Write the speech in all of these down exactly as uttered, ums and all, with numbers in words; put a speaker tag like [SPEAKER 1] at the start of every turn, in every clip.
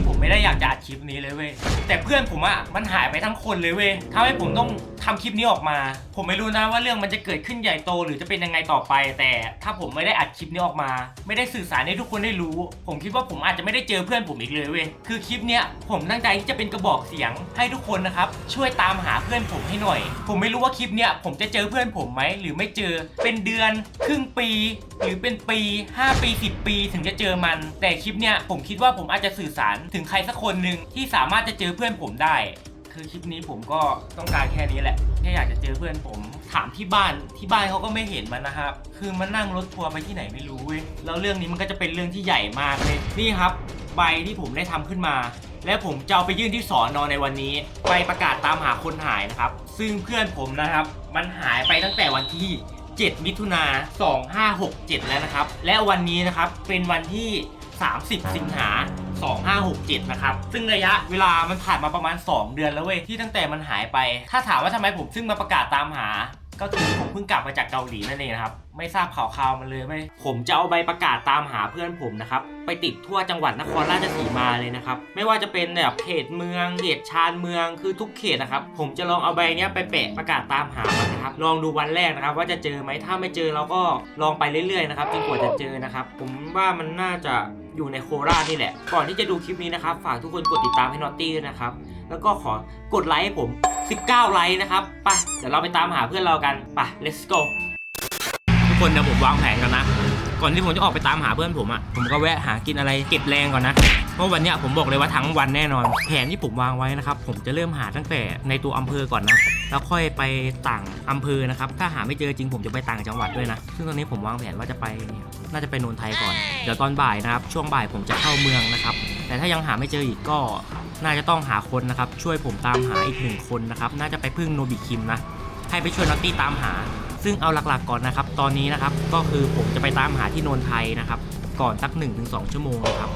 [SPEAKER 1] งผมไม่ได้อยากจะอัดคลิปนี้เลยเว้ยแต่เพื่อนผมอะมันหายไปทั้งคนเลยเว้ยทำให้ผมต้องทำคลิปนี้ออกมาผมไม่รู้นะว่าเรื่องมันจะเกิดขึ้นใหญ่โตหรือจะเป็นยังไงต่อไปแต่ถ้าผมไม่ได้อัดคลิปนี้ออกมาไม่ได้สื่อสารให้ทุกคนได้รู้ผมคิดว่าผมอาจจะไม่ได้เจอเพื่อนผมอีกเลยเว้ยคือคลิปเนี้ยผมตั้งใจที่จะเป็นกระบอกเสียงให้ทุกคนนะครับช่วยตามหาเพื่อนผมให้หน่อยผมไม่รู้ว่าคลิปเนี้ยผมจะเจอเพื่อนผมไหมหรือไม่เจอเป็นเดือนครึ่งปีหรือเป็นปีห้าปีสิบปีถึงจะเจอมันแต่คลิปเนี้ยผมคิดว่าผมอาจจะสื่อสารถึงใครสักคนหนึ่งที่สามารถจะเจอเพื่อนผมได้คือคลิปนี้ผมก็ต้องการแค่นี้แหละแค่อยากจะเจอเพื่อนผมถามที่บ้านที่บ้านเขาก็ไม่เห็นมันนะครับคือมันนั่งรถทัวร์ไปที่ไหนไม่รู้เว้ยแล้วเรื่องนี้มันก็จะเป็นเรื่องที่ใหญ่มากเลยนี่ครับใบที่ผมได้ทำขึ้นมาและผมจะเอาไปยื่นที่สอนอในวันนี้ใบประกาศตามหาคนหายนะครับซึ่งเพื่อนผมนะครับมันหายไปตั้งแต่วันที่เจ็ดมิถุนาสองห้าหกเจ็ดแล้วนะครับและวันนี้นะครับเป็นวันที่สามสิบสิงหาสองห้าหกเจ็ดนะครับซึ่งระยะเวลามันผ่านมาประมาณสองเดือนแล้วเว้ยที่ตั้งแต่มันหายไปถ้าถามว่าทำไมผมซึ่งมาประกาศตามหาก็คือผมเพิ่งกลับมาจากเกาหลีนั่นเองนะครับไม่ทราบข่าวข่าวมันเลยไหมผมจะเอาใบประกาศตามหาเพื่อนผมนะครับไปติดทั่วจังหวัดนครราชสีมาเลยนะครับไม่ว่าจะเป็นแบบเขตเมืองเขตชานเมืองคือทุกเขตนะครับผมจะลองเอาใบเนี้ยไปแปะประกาศตามหามันนะครับลองดูวันแรกนะครับว่าจะเจอไหมถ้าไม่เจอเราก็ลองไปเรื่อยๆนะครับจนกว่าจะเจอนะครับผมว่ามันน่าจะอยู่ในโคราชนี่แหละก่อนที่จะดูคลิปนี้นะครับฝากทุกคนกดติดตามให้นอตตี้ด้วยนะครับแล้วก็ขอกดไลค์ให้ผมสิบเก้าไลค์นะครับไปเดี๋ยวเราไปตามหาเพื่อนเรากันไป let's go ทุกคนเดี๋ยวผมวางแผนกันนะก่อนที่ผมจะออกไปตามหาเพื่อนผมอ่ะผมก็แวะหากินอะไรเก็บแรงก่อนนะเพราะวันเนี้ยผมบอกเลยว่าทั้งวันแน่นอนแผนที่ผมวางไว้นะครับผมจะเริ่มหาตั้งแต่ในตัวอำเภอก่อนนะแล้วค่อยไปต่างอำเภอนะครับถ้าหาไม่เจอจริงผมจะไปต่างจังหวัดด้วยนะซึ่งตอนนี้ผมวางแผนว่าจะไปน่าจะไปโนนไทยก่อนเดี๋ยวตอนบ่ายนะครับช่วงบ่ายผมจะเข้าเมืองนะครับแต่ถ้ายังหาไม่เจออีกก็น่าจะต้องหาคนนะครับช่วยผมตามหาอีกหนึ่งคนนะครับน่าจะไปพึ่งโนบิคิมนะให้ไปช่วยนอตตี้ตามหาซึ่งเอาหลักๆก่อนนะครับตอนนี้นะครับก็คือผมจะไปตามหาที่โนนไทยนะครับก่อนสัก หนึ่งถึงสอง ชั่วโมงนะครับ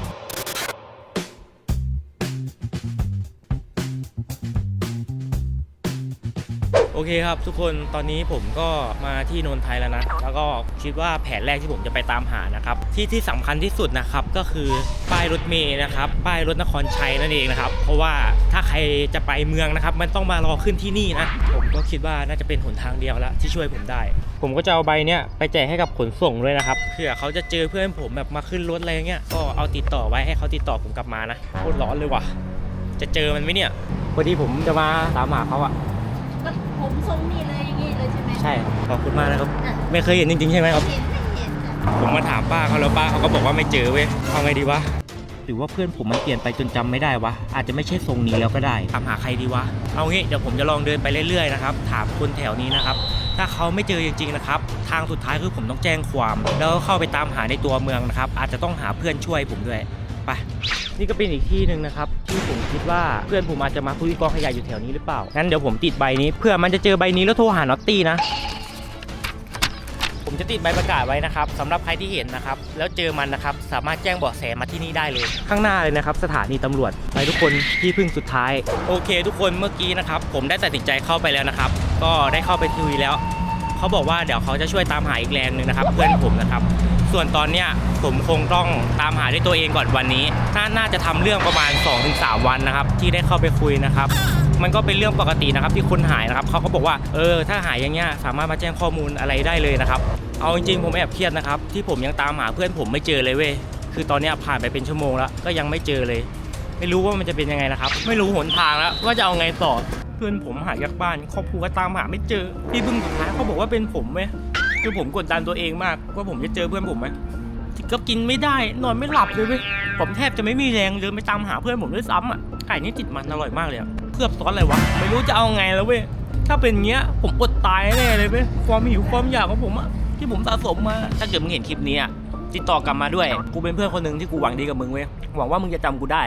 [SPEAKER 1] โอเคครับทุกคนตอนนี้ผมก็มาที่โนนไทยแล้วนะแล้วก็คิดว่าแผนแรกที่ผมจะไปตามหานะครับที่ที่สำคัญที่สุดนะครับก็คือป้ายรถเมล์นะครับป้ายรถนครชัยนั่นเองนะครับเพราะว่าถ้าใครจะไปเมืองนะครับมันต้องมารอขึ้นที่นี่นะผมก็คิดว่าน่าจะเป็นหนทางเดียวแล้วที่ช่วยผมได้ผมก็จะเอาใบเนี้ยไปแจกให้กับขนส่งด้วยนะครับเผื่อเขาจะเจอเพื่อนผมแบบมาขึ้นรถอะไรเงี้ยก็เอาติดต่อไว้ให้เขาติดต่อผมกลับมานะโคตรร้อนเลยว่ะจะเจอมันไหมเนี่ยพอดีผมจะมาตามหาเขาอะ
[SPEAKER 2] ผมทรงนี่เลยอย่างงี้เลยใช่ไหม
[SPEAKER 1] ใช่ขอบคุณมากนะครับไม่เคยเห็นจริงๆใช่ไหมครับ
[SPEAKER 2] เห็นไม่เห็นจ้ะ
[SPEAKER 1] ผมมาถามป้าเขาแล้วป้าเขาก็บอกว่าไม่เจอเว้ยเอาไงดีวะหรือว่าเพื่อนผมมันเปลี่ยนไปจนจำไม่ได้วะอาจจะไม่ใช่ทรงนี้แล้วก็ได้ถามหาใครดีวะเอางี้เดี๋ยวผมจะลองเดินไปเรื่อยๆนะครับถามคนแถวนี้นะครับถ้าเขาไม่เจอจริงๆนะครับทางสุดท้ายคือผมต้องแจ้งความแล้วเข้าไปตามหาในตัวเมืองนะครับอาจจะต้องหาเพื่อนช่วยผมด้วยไปนี่ก็เป็นอีกที่หนึ่งนะครับที่ผมคิดว่าเพื่อนผมอาจจะมาคุยกองขยะอยู่แถวนี้หรือเปล่างั้นเดี๋ยวผมติดใบนี้เพื่อมันจะเจอใบนี้แล้วโทรหานอตตี้นะผมจะติดใบประกาศไว้นะครับสำหรับใครที่เห็นนะครับแล้วเจอมันนะครับสามารถแจ้งเบาะแสมาที่นี่ได้เลยข้างหน้าเลยนะครับสถานีตำรวจไปทุกคนที่พึ่งสุดท้ายโอเคทุกคนเมื่อกี้นะครับผมได้ตัดสินใจเข้าไปแล้วนะครับก็ได้เข้าไปคุยแล้วเขาบอกว่าเดี๋ยวเขาจะช่วยตามหาอีกแรงนึงนะครับเพื่อนผมนะครับส่วนตอนเนี้ยผมคงต้องตามหาด้วยตัวเองก่อนวันนี้น่าน่าจะทำเรื่องประมาณ สองถึงสาม วันนะครับที่ได้เข้าไปคุยนะครับมันก็เป็นเรื่องปกตินะครับที่คนหายนะครับเขาก็บอกว่าเออถ้าหายอย่างเงี้ยสามารถมาแจ้งข้อมูลอะไรได้เลยนะครับเอาจริงๆผมแอบเครียดนะครับที่ผมยังตามหาเพื่อนผมไม่เจอเลยเว้ยคือตอนนี้ผ่านไปเป็นชั่วโมงแล้วก็ยังไม่เจอเลยไม่รู้ว่ามันจะเป็นยังไงนะครับไม่รู้หนทางแล้วว่าจะเอาไงต่อเพื่อนผมหายจากบ้านครอบครัวก็ตามหาไม่เจอที่พึ่งสุดท้ายเขาบอกว่าเป็นผมเว้ยคือผมกดดันตัวเองมากว่าผมจะเจอเพื่อนผมไหมก็กินไม่ได้นอนไม่หลับเลยเว้ยผมแทบจะไม่มีแรงเดินไปตามหาเพื่อนผมด้วยซ้ำอ่ะไก่นี่ติดมันอร่อยมากเลยเพื่อบซอสอะไรวะไม่รู้จะเอาไงแล้วเว้ยถ้าเป็นเงี้ยผมอดตายแน่เลยเว้ยความหิวความอยากของผมอะที่ผมสะสมมาถ้าเกิดมึงเห็นคลิปนี้ติดต่อกลับมาด้วยกูเป็นเพื่อนคนหนึ่งที่กูหวังดีกับมึงเว้ยหวังว่ามึงจะจำกูได้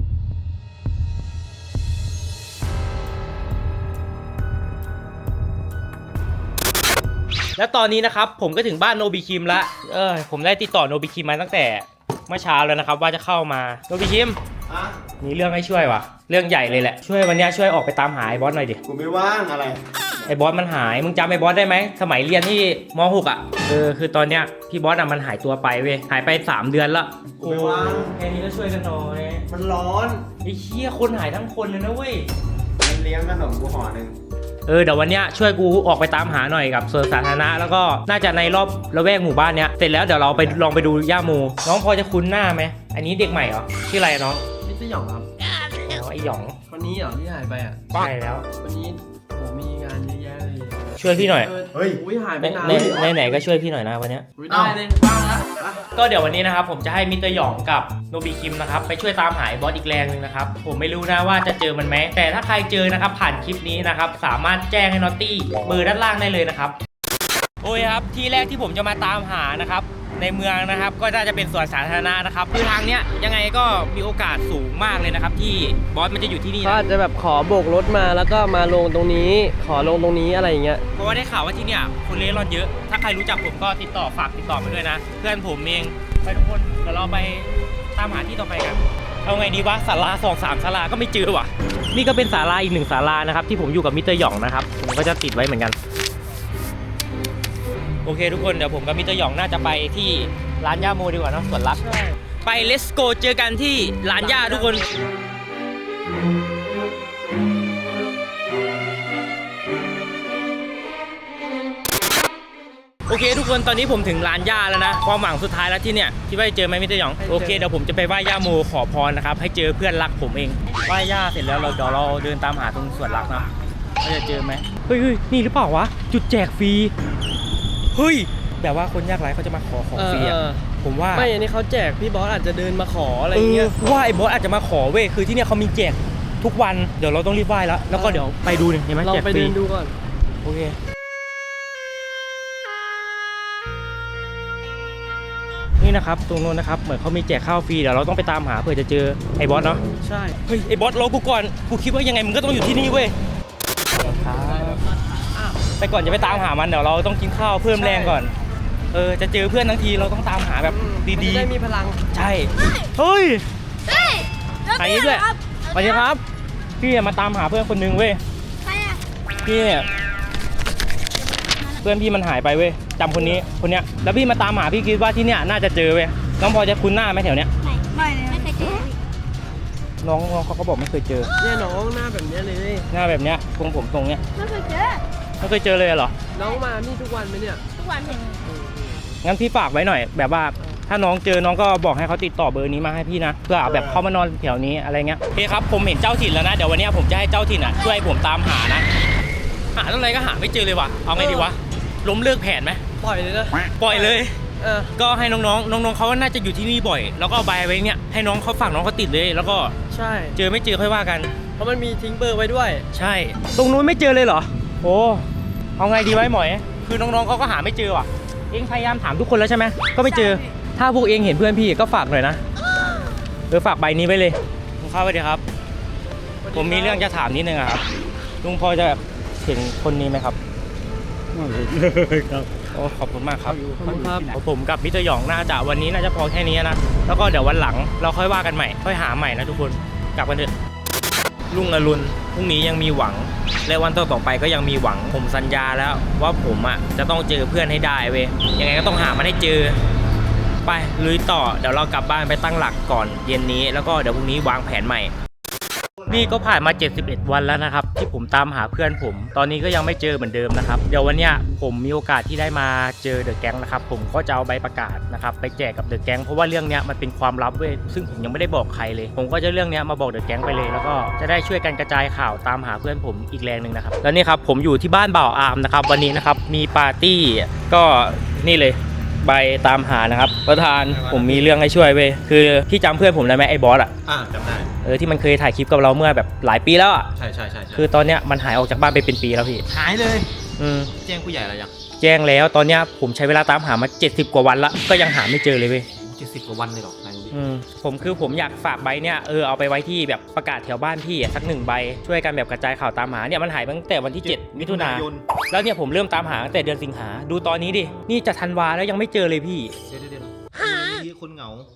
[SPEAKER 1] แล้วตอนนี้นะครับผมก็ถึงบ้านโนบิคิมละเออผมได้ติดต่อโนบิคิมมาตั้งแต่เมื่อเช้าแล้วนะครับว่าจะเข้ามาโนบิคิมมีเรื่องให้ช่วยว่ะเรื่องใหญ่เลยแหละช่วยวันนี้ช่วยออกไปตามหาไอ้บอสหน่อยดิ
[SPEAKER 3] กูไม่ว่างอะไร
[SPEAKER 1] ไอ้บอสมันหายมึงจำไอ้บอสได้ไหมสมัยเรียนที่ม หก อ่ะเออคือตอนเนี้ยพี่บอสอ่ะมันหายตัวไปเว้ยหายไปสามเดือนละ
[SPEAKER 3] กูไม่ว่าง
[SPEAKER 1] แค่นี้ก็ช่วยกันหน่อย
[SPEAKER 3] มันร้อน
[SPEAKER 1] ไอ้เหี้ยคนหายทั้งคนเลยนะเว้ย
[SPEAKER 3] มันเลี้ยงขนมกูห่อหนึ่ง
[SPEAKER 1] เออเดี๋ยววันเนี้ยช่วยกูออกไปตามหาหน่อยกับสวนสาธารณะแล้วก็น่าจะในรอบละแวกหมู่บ้านเนี้ยเสร็จแล้วเดี๋ยวเราไปลองไปดูย่าโมน้องพอจะคุ้นหน้าไหมอันนี้เด็กใหม่เหรอชื่ออะไรน้อง
[SPEAKER 3] นี่จะหยองครับ
[SPEAKER 1] อ๋อไอหยอง
[SPEAKER 3] วันนี้เหรอที่หายไปอ่ะ
[SPEAKER 1] ใช่แล้ว
[SPEAKER 3] วันนี้ผมมีงานเยอะแยะเลย
[SPEAKER 1] ช่วยพี่หน่อย
[SPEAKER 3] เฮ้ยอุ้ยหายไป
[SPEAKER 1] ใน
[SPEAKER 3] นาน
[SPEAKER 1] ใน
[SPEAKER 3] เลย
[SPEAKER 1] ในไหนก็ช่วยพี่หน่อยนะวันเนี้ย
[SPEAKER 3] อุ๊ยได้เลยว่างละอ่ะ
[SPEAKER 1] ก็เดี๋ยววันนี้นะครับผมจะให้มิสเตอร์หยองกับโนบิคิมนะครับไปช่วยตามหาไอ้บอสอีกแรงหนึงนะครับผมไม่รู้นะว่าจะเจอมันไหมแต่ถ้าใครเจอนะครับผ่านคลิปนี้นะครับสามารถแจ้งให้นอตตี้เบอร์ด้านล่างได้เลยนะครับโอ้ยครับที่แรกที่ผมจะมาตามหานะครับในเมืองนะครับก็น่าจะเป็นสวนสาธารณะนะครับคือทางเนี้ยยังไงก็มีโอกาสสูงมากเลยนะครับที่บอสมันจะอยู่ที่นี่
[SPEAKER 4] เขา
[SPEAKER 1] นะ
[SPEAKER 4] อาจจะแบบขอโบกรถมาแล้วก็มาลงตรงนี้ ขอลงตรงนี้อะไรอย่างเงี้ย
[SPEAKER 1] เพราะว่าได้ข่าวว่าที่เนี่ยคนเล่ร่อนเยอะถ้าใครรู้จักผมก็ติดต่อฝากติดต่อมาด้วยนะเพื่อนผมเองไปทุกคนเดี๋ยวเราไปตามหาที่ต่อไปกันเอาไงดีวะศาลาสองสามศาลาก็ไม่เจอว่ะนี่ก็เป็นศาลาอีกหนึ่งศาลานะครับที่ผมอยู่กับมิสเตอร์หยองนะครับผมก็จะติดไว้เหมือนกันโอเคทุกคนเดี๋ยวผมกับมิสเตอร์หยองน่าจะไปที่ร้านย่าโมดีกว่าเนอะสวนรักไป let's go เจอกันที่ร้านย่าทุกคนโอเคทุกคนตอนนี้ผมถึงร้านย่าแล้วนะความหวังสุดท้ายแล้วที่เนี่ยคิดว่าจะเจอไหมมิสเตอร์หยองโอเคเดี๋ยวผมจะไปไหว้ย่าโมขอพรนะครับให้เจอเพื่อนรักผมเองไหว้ย่าเสร็จแล้วเราเดี๋ยวเราเดินตามหาตรงสวนรักนะว่าจะเจอไหมเฮ้ยเฮ้ยนี่หรือเปล่าวะจุดแจกฟรีเฮ้ยแบบว่าคนยากไร้เขาจะมาขอของฟรี
[SPEAKER 4] เอ
[SPEAKER 1] อะ
[SPEAKER 4] อ
[SPEAKER 1] ผมว่า
[SPEAKER 4] ไม่อันนี้เขาแจกพี่บอสอาจจะเดินมาขออะไร
[SPEAKER 1] เอ
[SPEAKER 4] อย่างเงี้
[SPEAKER 1] อย ว่าไอ้บอสอาจจะมาขอเว้ยคือที่เนี่ยเขามีแจกทุกวันเดี๋ยวเราต้องรีบไหว้แล้วแล้วก็เดี๋ยวไปดูนี่เห็นไหม
[SPEAKER 4] เรา
[SPEAKER 1] แจก
[SPEAKER 4] ไป
[SPEAKER 1] ฟรี
[SPEAKER 4] เดินดูก่อน
[SPEAKER 1] โอเคนี่นะครับตรงโน้นนะครับเหมือนเขามีแจกข้าวฟรีเดี๋ยวเราต้องไปตามหาเผื่อจะเจอไอ้บอสเนาะ
[SPEAKER 4] ใช่
[SPEAKER 1] เฮ้ยไอ้บอสรอกูก่อนกูคิดว่ายังไงมึงก็ต้องอยู่ที่นี่เว้ยแต่ก่อนจะไปตามหามันเดี๋ยวเราต้องกินข้าวเพิ่มแรงก่อนเออจะเจอเพื่อนทั้งทีเราต้องตามหาแบบ
[SPEAKER 4] มัน
[SPEAKER 1] ดี
[SPEAKER 4] จะได้มีพลัง
[SPEAKER 1] ๆใช่เฮ้ย
[SPEAKER 2] เฮ้ย
[SPEAKER 1] ใครด้วยสวัสดีครับพี่มาตามหาเพื่อนคนนึงเว้ย
[SPEAKER 2] ใครอ่ะ
[SPEAKER 1] พี่เนี่ยเพื่อนพี่มันหายไปเว้ยจำคนนี้คนเนี้ยแล้วพี่มาตามหาพี่คิดว่าที่เนี้ยน่าจะเจอเว้ยน้องพอจะคุ้นหน้าไหมแถวเนี้ย
[SPEAKER 2] ไม่ไม่เลยไม่เคยเจอ
[SPEAKER 1] น้องน้องเขาก็บอกไม่เคยเจอ
[SPEAKER 4] เนี่ยน้องหน้าแบบเนี้ยเลย
[SPEAKER 1] หน้าแบบเนี้ยทรงผมทรงเนี้ย
[SPEAKER 2] ไม่เคยเจอ
[SPEAKER 1] ไม่เคยเจอเลยเหรอ
[SPEAKER 4] น้องมานี่ทุกวันไหมเนี่ย
[SPEAKER 2] ทุกวันเห็น
[SPEAKER 1] งั้นพี่ฝากไว้หน่อย แบบว่าถ้าน้องเจอน้องก็บอกให้เขาติดต่อเบอร์นี้มาให้พี่นะเพื่อแบบเขามานอนแถวนี้อะไรเงี้ยโอเคครับผมเห็นเจ้าถิ่นแล้วนะเดี๋ยววันเนี้ยผมจะให้เจ้าถิ่นอ่ะช่วยผมตามหานะหาเท่าไหร่ก็หาไม่เจอเลยว่ะเอาไงดีวะล้มเลิกแผนไหม
[SPEAKER 4] ปล่อยเลยนะ
[SPEAKER 1] ปล่อยเลย
[SPEAKER 4] เออ
[SPEAKER 1] ก็ให้น้องๆ น้องๆเขาน่าจะอยู่ที่นี่บ่อย แล้วก็เอาใบไว้เนี่ยให้น้องเขาฝากน้องเขาติดเลย แล้วก็
[SPEAKER 4] ใช่
[SPEAKER 1] เจอไม่เจอค่อยว่ากัน
[SPEAKER 4] เพราะมันมีทิ้งเบอร์ไว้ด้วย
[SPEAKER 1] ใช่ ตรงนู้นไม่เจอเลยเหรอ โอ้เอาไงดีไว้หมอย คือน้องๆเขาก็หาไม่เจอว่ะ เองพยายามถามทุกคนแล้วใช่ไหมก็ไม่เจอ ถ้าพวกเองเห็นเพื่อนพี่ก็ฝากหน่อยนะเออฝากใบนี้ไว้เลยลุงเข้าไปดีครับ ผมมีเรื่องจะถามนิดนึงอะครับ ลุงพอจะแบบเห็นคนนี้ไหมครับครับโอ้ขอบคุณมากครับ
[SPEAKER 4] ขอบคุณครับ
[SPEAKER 1] ผมกับมิสเตอร์หยองน่าจะวันนี้น่าจะพอแค่นี้นะ แล้วก็เดี๋ยววันหลังเราค่อยว่ากันใหม่ ค่อยหาใหม่นะทุกคน กลับกันเถอะลุงอรุณพรุ่งนี้ยังมีหวัง และวันต่อต่อไปก็ยังมีหวัง ผมสัญญาแล้วว่าผมอ่ะจะต้องเจอเพื่อนให้ได้เว้ย ยังไงก็ต้องหามันให้เจอ ไปลุยต่อ เดี๋ยวเรากลับบ้านไปตั้งหลักก่อนเย็นนี้ แล้วก็เดี๋ยวพรุ่งนี้วางแผนใหม่ นี่ก็ผ่านมาเจ็ดสิบเอ็ดวันแล้วนะครับที่ผมตามหาเพื่อนผม ตอนนี้ก็ยังไม่เจอเหมือนเดิมนะครับเดี๋ยววันเนี้ยผมมีโอกาสที่ได้มาเจอเดอะแก๊งนะครับผมก็จะเอาใบประกาศนะครับไปแจกกับเดอะแก๊งเพราะว่าเรื่องเนี้ยมันเป็นความลับเว้ยซึ่งผมยังไม่ได้บอกใครเลย ผมก็จะเรื่องเนี้ยมาบอกเดอะแก๊งไปเลยแล้วก็จะได้ช่วยกันกระจายข่าวตามหาเพื่อนผมอีกแรงหนึ่งนะครับแล้วนี่ครับผมอยู่ที่บ้านบ่าวอาร์มนะครับวันนี้นะครับมีปาร์ตี้ก็นี่เลยใบตามหานะครับประธานผมมีเรื่องให้ช่วยเว้ยคือพี่จำเพื่อนผมได้ไหมไอ้บอสอ่ะ
[SPEAKER 3] อ่าจำได้
[SPEAKER 1] เออที่มันเคยถ่ายคลิปกับเราเมื่อแบบหลายปีแล้วอ่ะ
[SPEAKER 3] ใช่ใช่ใช่
[SPEAKER 1] คือตอนเนี้ยมันหายออกจากบ้านไปเป็นปีแล้วพี่
[SPEAKER 3] หายเลย
[SPEAKER 1] อืม
[SPEAKER 3] แจ้งผู้ใหญ่อะไรยัง
[SPEAKER 1] แจ้งแล้วตอนเนี้ยผมใช้เวลาตามหามาเจ็ดสิบกว่าวันละก็ยังหาไม่เจอเลยเว้ย
[SPEAKER 3] เจ็ดสิบกว่าวันเลยหรอกนายดูดิ
[SPEAKER 1] อืมผมคือผมอยากฝากใบเนี้ยเออเอาไปไว้ที่แบบประกาศแถวบ้านพี่อะสักหนึ่งใบช่วยกันแบบกระจายข่าวตามหาเนี่ยมันหายไปตั้งแต่วันที่เจ็ดมิถุนายนแล้วเนี่ยผมเริ่มตามหาตั้งแต่เดือนสิงหาดูตอนนี้ดินี่จะธันวาแล้วยังไม่เจอเลยพี่
[SPEAKER 3] เดี๋ยวเดี๋ยวเดี๋ยวมีคนเหงา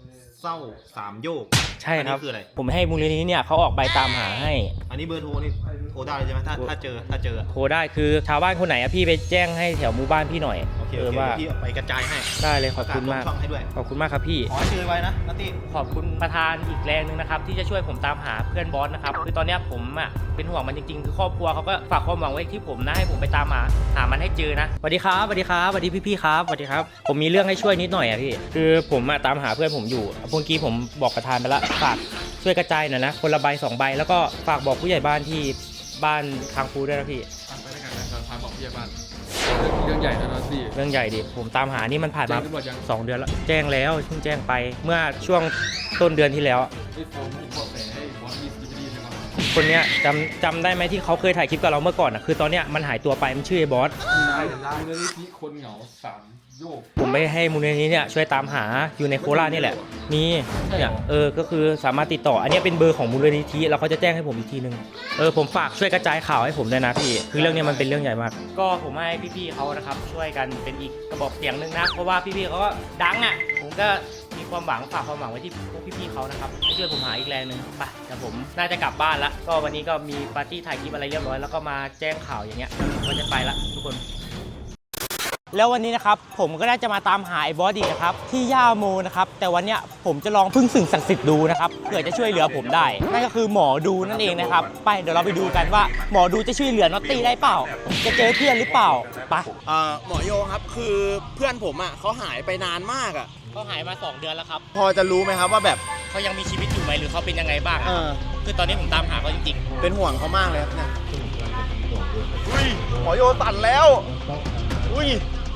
[SPEAKER 5] เศร้าสามโยก
[SPEAKER 1] ใช่ครับ
[SPEAKER 5] อันนี้คืออะไร
[SPEAKER 1] ผมให้มูลนิธิเนี่ยเขาออกใบตามหาให้
[SPEAKER 5] อันนี้เบอร์โทรนี่โทรได้เลยใช่ไหมถ้าถ้าเจอถ้าเจอ
[SPEAKER 1] โทรได้คือชาวบ้านคนไหนอะพี่ไปแจ้งให้แถวหมู่บ้านพี่หน่อย
[SPEAKER 5] โอเค
[SPEAKER 1] เอ
[SPEAKER 5] โอ
[SPEAKER 1] อ
[SPEAKER 5] เค
[SPEAKER 1] ว่า
[SPEAKER 5] เดี๋ยวพี่เอาไปกระจายให้
[SPEAKER 1] ได้เลยขอบคุณมาก
[SPEAKER 5] ประศลงช่องให้ด้วย
[SPEAKER 1] ขอบคุณมากครับพี่
[SPEAKER 5] ขอให้เจอไว้นะนัตตี้
[SPEAKER 1] ขอบคุณประธานอีกแรงหนึ่งนะครับที่จะช่วยผมตามหาเพื่อนบอสนะครับคือตอนเนี้ยผมอ่ะเป็นห่วงมันจริงๆคือครอบครัวเขาก็ฝากความหวังไว้ที่ผมนะให้ผมไปตามหาหามันให้เจอนะสวัสดีครับสวัสดีครับสวัสดีพี่ๆครับสวัสดีครับผมมีเรื่องให้ช่วยนิดหน่อยอ่ะพี่คือผมอ่ะตามหาเพื่อนผมอยู่เมื่อกี้ผมบอกประธานไปละฝากช่วยกระจายหน่อยนะคนละใบสองใบแล้วก็ฝากบอกผู้ใหญ่บ้านที่บ้านคางฟูด้วยนะพี่
[SPEAKER 6] ไปด้วยกันนะพาบอกพี่บ้านเรื่องใหญ่นะนอซี่
[SPEAKER 1] เรื่องใหญ่ดิผมตามหานี่มันผ่าน
[SPEAKER 6] แจ้
[SPEAKER 1] มาง
[SPEAKER 6] ตำรวจยัง
[SPEAKER 1] สองเดือนแล้วแจ้งแล้วเพิ่งแจ้งไปเมื่อช่วงต้นเดือนที่แล้ว
[SPEAKER 6] ไอ้โฟมเห็นบอกแต่ให้บอสมีสกิปปี้ใช่ไหม
[SPEAKER 1] คนเนี้ยจำจำได้ไหมที่เขาเคยถ่ายคลิปกับเราเมื่อก่อนอ่ะคือตอนเนี้ยมันหายตัวไปมันชื่อไอ้บอส
[SPEAKER 6] ได้ได้เลยที่คนเหงาสามโยก
[SPEAKER 1] ผมไปให้มูลนิธิเนี่ยช่วยตามหาอยู่ในโคราชนี่แหละมีเนี่ยเออก็คือสามารถติดต่ออันเนี้ยเป็นเบอร์ของมูลนิธิแล้วเขาจะแจ้งให้ผมอีกทีนึงเออผมฝากช่วยกระจายข่าวให้ผมด้วยนะพี่คือเรื่องเนี้ยมันเป็นเรื่องใหญ่มากก็ผมให้พี่ๆเขานะครับช่วยกันเป็นอีกกระบอกเสียงหนึงนะเพราะว่าพี่ๆเขาก็ดังอ่ะผมก็มีความหวังฝากความหวังไว้ที่พวกพี่ๆเขานะครับให้ช่วยผมหาอีกแรงหนึ่งไปแต่ผมน่าจะกลับบ้านละก็วันนี้ก็มีปาร์ตี้ถ่ายคลิปอะไรเรียบร้อยแล้วก็มาแจ้งข่าวอย่างเงี้ยผมก็จะไปละทุกคน แล้ววันนี้นะครับผมก็ได้จะมาตามหาไอ้บอสอีกนะครับที่ย่าโมนะครับแต่วันเนี้ยผมจะลองพึ่งสิ่งศักดิ์สิทธิ์ดูนะครับเผื่อจะช่วยเหลือผมได้นั่นก็คือหมอดูนั่นเองนะครับไปเดี๋ยวเราไปดูกันว่าหมอดูจะช่วยเหลือน็อตตี้ได้เปล่าจะเจอเพื่อนหรือเปล่าไป
[SPEAKER 7] เอ่อหมอโยครับคือเพื่อนผมอ่ะเขาหายไปนานมากอ่ะ
[SPEAKER 1] เขาหายมาสองเดือนแล้วครับ
[SPEAKER 7] พอจะรู้ไหมครับว่าแบบ
[SPEAKER 1] เขายังมีชีวิตอยู่ไหมหรือเขาเป็นยังไงบ้าง
[SPEAKER 7] เออ
[SPEAKER 1] คือตอนนี้ผมตามหาเขาจริง
[SPEAKER 7] เป็นห่วงเขามากเลยครับเนี่ยอุ้ยหมอโยสั่นแล้วอุ้ย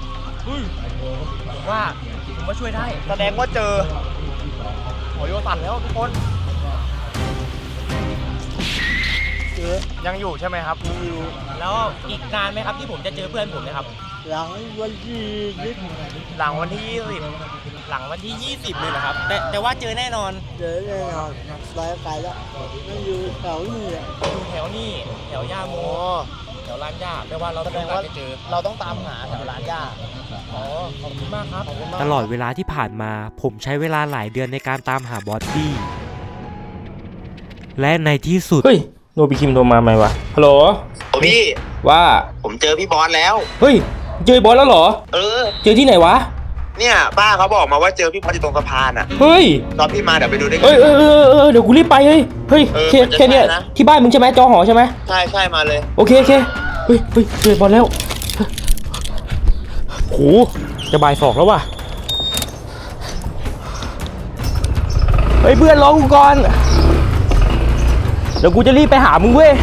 [SPEAKER 1] ๆว่าผมว่าช่วยได้
[SPEAKER 7] แสดงว่าเจอหมอโยสั่นแล้วทุกคนเจอยังอยู่ใช่ไหมครับยังอยู่
[SPEAKER 1] แล้วอีกนานไหมครับที่ผมจะเจอเพื่อนผมเนะครับ
[SPEAKER 7] หลังวันที่ยี่สิบหลังวันที่ยี่สิบ
[SPEAKER 1] หลังวันที่ยี่สิบเลยนะครับแต่แต่ว่าเจอแน่นอน
[SPEAKER 7] เจอแน่นอนไปไกลแล้วมันอยู่แถวนี้อ่ะ
[SPEAKER 1] อยู่แถวนี้แถวย่าโม
[SPEAKER 7] โอ้
[SPEAKER 1] แถวร้านย่าแปลว่าเรา
[SPEAKER 7] แส
[SPEAKER 1] ต้
[SPEAKER 7] ด
[SPEAKER 1] อง
[SPEAKER 7] ง
[SPEAKER 1] การ
[SPEAKER 7] ว่า
[SPEAKER 1] จะเจอ
[SPEAKER 7] เราต้องตามหาแถวร้านย่า
[SPEAKER 1] อ๋อขอบคุณมากครับ
[SPEAKER 7] ขอบคุณมาก
[SPEAKER 8] ตลอดเวลาที่ผ่านมาผมใช้เวลาหลายเดือนในการตามหาบอสบี้และในที่สุด
[SPEAKER 1] เฮ้ยโนบิคิมโทรมาไหมวะฮัลโหล
[SPEAKER 9] พี่
[SPEAKER 1] ว่า
[SPEAKER 9] ผมเจอพี่บอสแล้ว
[SPEAKER 1] เฮ้ยเจอบอสแล้วเหรอ
[SPEAKER 9] เออ
[SPEAKER 1] เจอที่ไหนวะ
[SPEAKER 9] เนี่ยป้าเขาบอกมาว่าเจอพี่บอสอยู่ตรงสะพานอ่ะ
[SPEAKER 1] เฮ้ย
[SPEAKER 9] ตอนพี่มาเดี๋ยวไปดูด้วยกั
[SPEAKER 1] เอ้ยเออเออเออเดี๋ยวกูรีบไปเฮ้ยเฮ้ย
[SPEAKER 9] เออ
[SPEAKER 1] แค่
[SPEAKER 9] มันจะ
[SPEAKER 1] แค่เนี้ย
[SPEAKER 9] ใช่นะ
[SPEAKER 1] ที่บ้านมึงใช่ไหมจอหอใช่ไหม
[SPEAKER 9] ใช่ใช่มาเลย
[SPEAKER 1] โอเคโอเคเฮ้ยเฮ้ยเจอบอสแล้วโหจะบ่ายสองแล้วว่ะเฮ้ยเพื่อนรอกูก่อนเดี๋ยวกูจะรีบไปหามึงเว้ย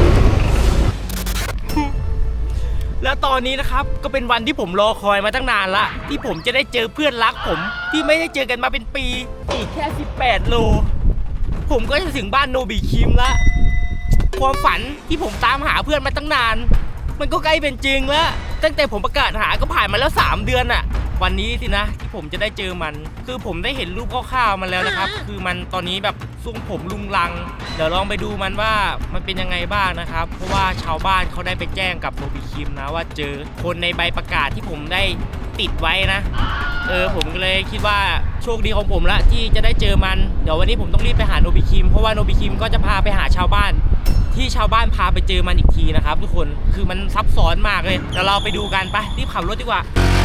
[SPEAKER 1] แล้วตอนนี้นะครับก็เป็นวันที่ผมรอคอยมาตั้งนานละที่ผมจะได้เจอเพื่อนรักผมที่ไม่ได้เจอกันมาเป็นปีอีกแค่สิบแปดโลผมก็จะถึงบ้านโนบิคิมละความฝันที่ผมตามหาเพื่อนมาตั้งนาน มันก็ใกล้เป็นจริงแล้วตั้งแต่ผมประกาศหาก็ผ่านมาแล้วสามเดือนอะวันนี้สินะที่ผมจะได้เจอมัน คือผมได้เห็นรูปคร่าวๆมันแล้วนะครับ คือมันตอนนี้แบบทรงผมลุงลัง เดี๋ยวลองไปดูมันว่ามันเป็นยังไงบ้างนะครับ เพราะว่าชาวบ้านเขาได้ไปแจ้งกับโนบิคิมนะว่าเจอคนในใบประกาศที่ผมได้ติดไว้นะ เออผมก็เลยคิดว่าโชคดีของผมละที่จะได้เจอมัน เดี๋ยววันนี้ผมต้องรีบไปหาโนบิคิมเพราะว่าโนบิคิมก็จะพาไปหาชาวบ้าน ที่ชาวบ้านพาไปเจอมันอีกทีนะครับทุกคนคือมันซับซ้อนมากเลยเดี๋ยวเราไปดูกันไปรีบขับรถดีกว่า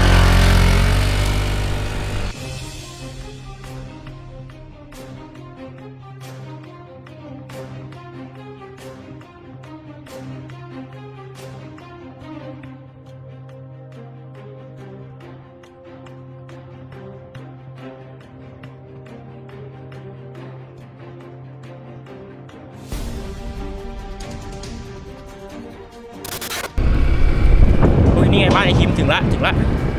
[SPEAKER 1] โอ้ยนี่ไงบ้านไอคิมถึงละถึงละ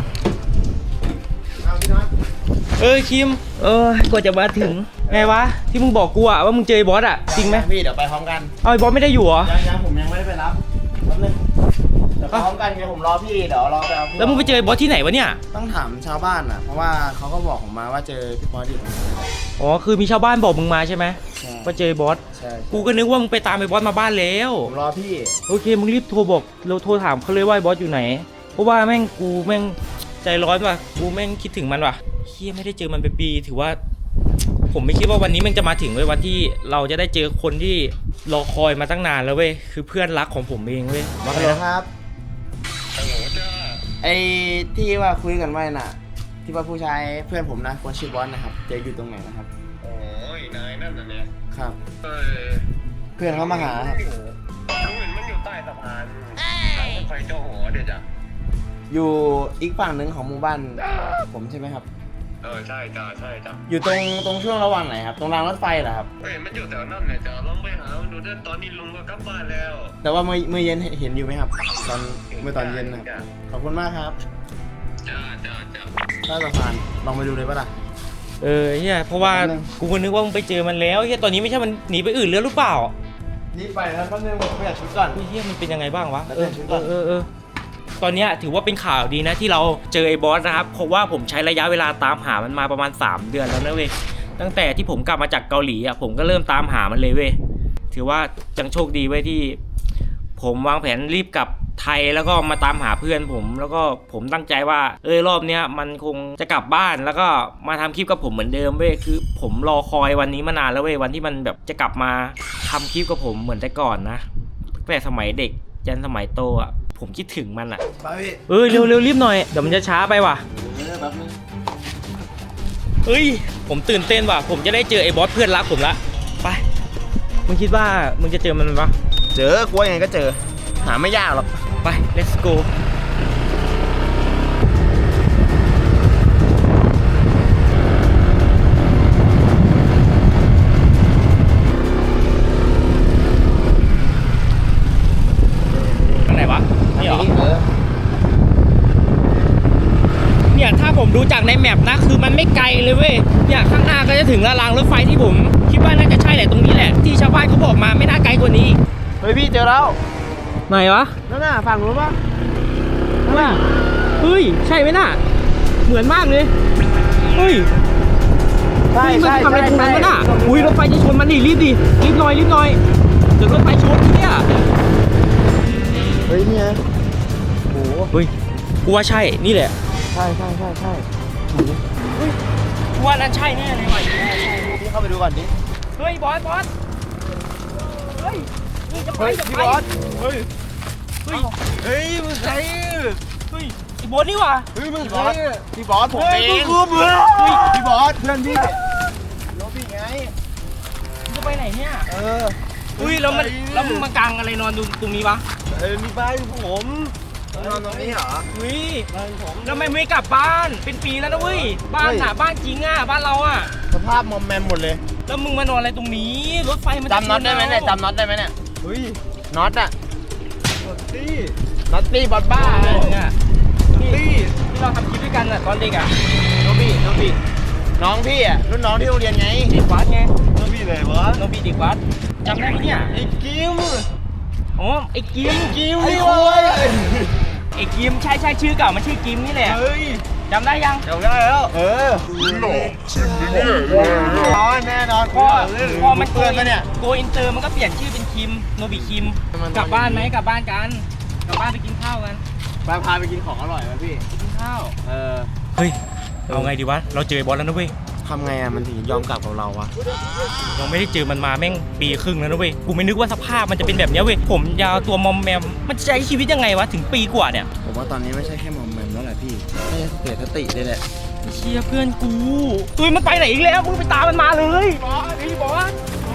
[SPEAKER 1] เออคิมเออกว่าจะมาถึงไงวะที่มึงบอกกูอะว่ามึงเจอไอ้บอสอะจริงไหม
[SPEAKER 7] พี่เดี๋ยวไปพร้อมกัน
[SPEAKER 1] เอาไอ้บอสไม่ได้อยู่เหรอ
[SPEAKER 7] ยังยังผมยังไม่ได้ไปรับแป๊บนึงเดี๋ยวไปพร้อมกันไงผมรอพี่เดี๋ยวรอไปเอาพี่
[SPEAKER 1] แล้วมึงไปเจอไอ้บอสที่ไหนวะเนี่ย
[SPEAKER 7] ต้องถามชาวบ้านอ่ะเพราะว่าเขาก็บอกผมมาว่าเจอพี่บอสอยู่ตรงนี้
[SPEAKER 1] อ๋อคือมีชาวบ้านบอกมึงมาใช่ไหม
[SPEAKER 7] ใช่
[SPEAKER 1] ว่าเจอไอ้บอส
[SPEAKER 7] ใช่
[SPEAKER 1] กูก็นึกว่ามึงไปตามไอ้บอสมาบ้านแล้ว
[SPEAKER 7] ผมรอพี่
[SPEAKER 1] โอเคมึงรีบโทรบอกเราโทรถามเขาเลยว่าไอ้บอสอยู่ไหนเพราะว่าแม่งกูแม่งใจร้อนว่ะกูแม่งคิดถึงมันว่ะเฮียไม่ได้เจอมันเป็นปีถือว่าผมไม่คิดว่าวันนี้มันจะมาถึงเว้ยวันที่เราจะได้เจอคนที่รอคอยมาตั้งนานแล้วเว้ยคือเพื่อนรักของผมเองเว้ยว่า
[SPEAKER 10] ฮัล
[SPEAKER 1] ไง
[SPEAKER 10] โหล
[SPEAKER 1] นะครับ
[SPEAKER 10] ไอ้ที่ว่าคุยกันไว้น่ะ ที่ว่าผู้ชายเพื่อนผมนะคนชื่อบอสนะครับจะอยู่ตรงไหนนะครับ
[SPEAKER 9] โอ้ยนายนั่นน่ะเนี่ย
[SPEAKER 10] ครับ
[SPEAKER 9] เออ
[SPEAKER 10] เพื่อนเขามาหาครับ
[SPEAKER 9] ลุงเห็นมันอยู่ใต้สะพานทางรถไฟเจ้าหัวเดี๋ยวจ้ะ
[SPEAKER 10] อยู่อีกฝั่งหนึ่งของหมู่บ้านผมใช่ไหมครับ
[SPEAKER 9] เออใช่จ้ะใช่จ้ะ
[SPEAKER 10] อยู่ตรงตรงช่วงระหว่างไหนครับตรงรางรถไฟเหรอครับ
[SPEAKER 9] เห็นมันอยู่แถวนั่นเนี่ยจ้ะลองไปหามันดูด้วยตอนนี้ลุงก็กลับบ้านแล้ว
[SPEAKER 10] แต่ว่าเมื่อเมื่อเย็นเห็นอยู่ไหมครับ ตอนเมื่อตอนเย็นนะครับขอบคุณมากครับ
[SPEAKER 9] จ้าจ้าจ้า
[SPEAKER 10] ใต้สะพานลองไปดูเลยปะล่ะ
[SPEAKER 1] เออเฮียเพราะว่า
[SPEAKER 10] แป๊บนึง
[SPEAKER 1] กูก็นึกว่ามึงไปเจอมันแล้วเฮียตอนนี้ไม่ใช่มันหนีไปอื่นแล้วหรือเปล่า
[SPEAKER 10] รีบไปนะแป๊บนึงผมเปลี่ยนชุดก่อน
[SPEAKER 1] เฮียมันเป็นยังไงบ้างวะ
[SPEAKER 10] แล้ว
[SPEAKER 1] เอ
[SPEAKER 10] เปลี่
[SPEAKER 1] อย
[SPEAKER 10] นชุดก่อน
[SPEAKER 1] เออเออตอนเนี้ยถือว่าเป็นข่าวดีนะที่เราเจอไอ้บอสนะครับเพราะว่าผมใช้ระยะเวลาตามหามันมาประมาณสามเดือนแล้วนะเว้ยตั้งแต่ที่ผมกลับมาจากเกาหลีอ่ะผมก็เริ่มตามหามันเลยเว้ยถือว่าจังโชคดีเว้ยที่ ผมวางแผนรีบกลับไทยแล้วก็มาตามหาเพื่อนผม แล้วก็ผมตั้งใจว่าเออรอบเนี้ยมันคงจะกลับบ้านแล้วก็มาทำคลิปกับผมเหมือนเดิมเว้ยคือผมรอคอยวันนี้มานานแล้วเว้ยวันที่มันแบบจะกลับมาทำคลิปกับผมเหมือนแต่ก่อนนะตั้งแต่สมัยเด็กยันสมัยโตอ่ะผมคิดถึงมันอ่ะ
[SPEAKER 10] ไปพี่
[SPEAKER 1] เออเร็วเร็วรีบหน่อยเดี๋ยวมันจะช้าไปว่ะ
[SPEAKER 10] เออแป๊บนึง
[SPEAKER 1] เฮ้ยผมตื่นเต้นว่ะผมจะได้เจอไอ้บอสเพื่อนรักผมละไปมึงคิดว่ามึงจะเจอมันปะ
[SPEAKER 10] เจอกลัวยังไงก็เจอ หาไม่ยากหรอก
[SPEAKER 1] ไป let's go ทางไหนวะนี่เหรอ
[SPEAKER 10] เออ
[SPEAKER 1] เนี่ยถ้าผมดูจากในแมปนะคือมันไม่ไกลเลยเว้ยเนี่ยข้างหน้าก็จะถึงแล้วรางรถไฟที่ผมคิดว่าน่าจะใช่แหละตรงนี้แหละที่ชาวบ้านเขาบอกมาไม่น่าไกลกว่านี้
[SPEAKER 10] เฮ้ยพี่เจอแล้ว
[SPEAKER 1] ไหนวะ
[SPEAKER 10] นั่นน่ะฝั่งนู้นปะ
[SPEAKER 1] ว่าเฮ้ยใช่ไหมน่ะเหมือนมากเลยเฮ้ย
[SPEAKER 10] ใช่
[SPEAKER 1] เฮ้ยมัน
[SPEAKER 10] ใช่
[SPEAKER 1] ทำอะไรตรงนั้นวะน่ะ
[SPEAKER 10] ใช่
[SPEAKER 1] อุ้ยรถไฟจะชนมันดิรีบดิรีบหน่อยรีบหน่อยเดี๋ยวรถไฟชนเนี่ย
[SPEAKER 10] เฮ้ยเนี่ยโอ้โห
[SPEAKER 1] เฮ้ยกูว่าใช่นี่แหละ
[SPEAKER 10] ใช่ใช่ใช่ใช่
[SPEAKER 1] กูว่านั่นใช่แน่เลยว่ะ
[SPEAKER 10] พี่เข้าไปดูก่อนดิ
[SPEAKER 1] เฮ้ยบอสบอสเฮ้ยนี่จะไป
[SPEAKER 10] เฮ้ย
[SPEAKER 1] จะ
[SPEAKER 10] พี่
[SPEAKER 1] ไป
[SPEAKER 10] บอสเฮ้ย
[SPEAKER 1] เฮ้ย
[SPEAKER 10] เฮ้ยมึงใคร
[SPEAKER 1] เฮ้ยไอ้บอสนี่ว่ะ
[SPEAKER 10] เฮ้ยมึงใครพี่บอสผม
[SPEAKER 1] เฮ้
[SPEAKER 10] เอย ง
[SPEAKER 1] มึงคือมึง
[SPEAKER 10] เฮ้ยพี่บอสเพื่อนพี่รถพี่ไง
[SPEAKER 1] มึงจะไปไหนเนี่ย
[SPEAKER 10] เออ
[SPEAKER 1] อุ้ยแล้วมันแล้วมึงมากางอะไรนอนตรงตรงนี้วะ
[SPEAKER 10] เออมีบ้านผมนอนตรงนี้เหรอ
[SPEAKER 1] เฮ้ย
[SPEAKER 10] บ้านผม
[SPEAKER 1] แล้วทำไมไม่กลับบ้านเป็นปีแล้วนะเว้ยบ้านน่ะบ้านจริงอ่ะบ้านเราอ่ะ
[SPEAKER 10] สภาพมอมแมมหมดเลย
[SPEAKER 1] แล้วมึงมานอนอะไรตรงนี้รถไฟมัน
[SPEAKER 10] จำน็อตได้ไหมเนี่ยจำน็อตได้ไหมเนี่ยเฮ้ยน็อตอะน็อตตี้น็อตตี้บอลบ้า
[SPEAKER 1] บ้านเนี่ย
[SPEAKER 10] ตี้
[SPEAKER 1] ที่เราทำคลิปด้วยกันอ่ะตอนเด็กอ่ะ
[SPEAKER 10] น้องพี่น้องพี่น้องพี่อะรุ่นน้องที่โรงเรียนไง
[SPEAKER 1] เด็กวัดไง
[SPEAKER 10] น้องพี่เลยวะ
[SPEAKER 1] โนบีเด็กวัดจำได้ไหมเนี่ย
[SPEAKER 10] ไอ้กิม
[SPEAKER 1] อ๋อไอ้กิม
[SPEAKER 10] กิม
[SPEAKER 1] ไอ้
[SPEAKER 10] นี่
[SPEAKER 1] โว้
[SPEAKER 10] เว้
[SPEAKER 1] ย
[SPEAKER 10] ย
[SPEAKER 1] ไอ้กิมใช่ใช่ชื่อเก่ามันชื่อกิมนี่แหละ
[SPEAKER 10] เฮ้ย
[SPEAKER 1] จำได้ยัง
[SPEAKER 10] จำได้แล้วเออหลอกจริงเนี่ยนอนแน่นอน
[SPEAKER 1] พอพอมันโก
[SPEAKER 10] เพื่อนปะเนี่ย
[SPEAKER 1] โกอินเตอร์มันก็เปลี่ยนชื่อเป็นคิมโนบิคิมกลับบ้านไหมกลับบ้านกันกลับบ้านไปกินข้าวกัน
[SPEAKER 10] ไปพาไปกินของอร่อยไหมพี่
[SPEAKER 1] ไปกินข้าว
[SPEAKER 10] เออ
[SPEAKER 1] เฮ้ยเอาไงดีวะเราเจอบอสแล้วนะเว้ย
[SPEAKER 10] ทำไงอะมันถึงยอมกลับกับเราวะ
[SPEAKER 1] ยังไม่ได้เจอมันมาแม่งปีครึ่งแล้วนะเว้ยกูไม่นึกว่าสภาพมันจะเป็นแบบเนี้ยเว้ยผมยาวตัวมอมแมมมันจะใช้ชีวิตยังไงวะถึงปีกว่าเนี่ย
[SPEAKER 10] ผมว่าตอนนี้ไม่ใช่แค่มอมแมมแล้วแหละพี่น่าจะเสียสติเลยแหละ
[SPEAKER 1] เชียเพื่อนกูเฮ้ยมันไปไหนอีกแล้วมึงไปตามมันมาเลยบอสไอ้บอส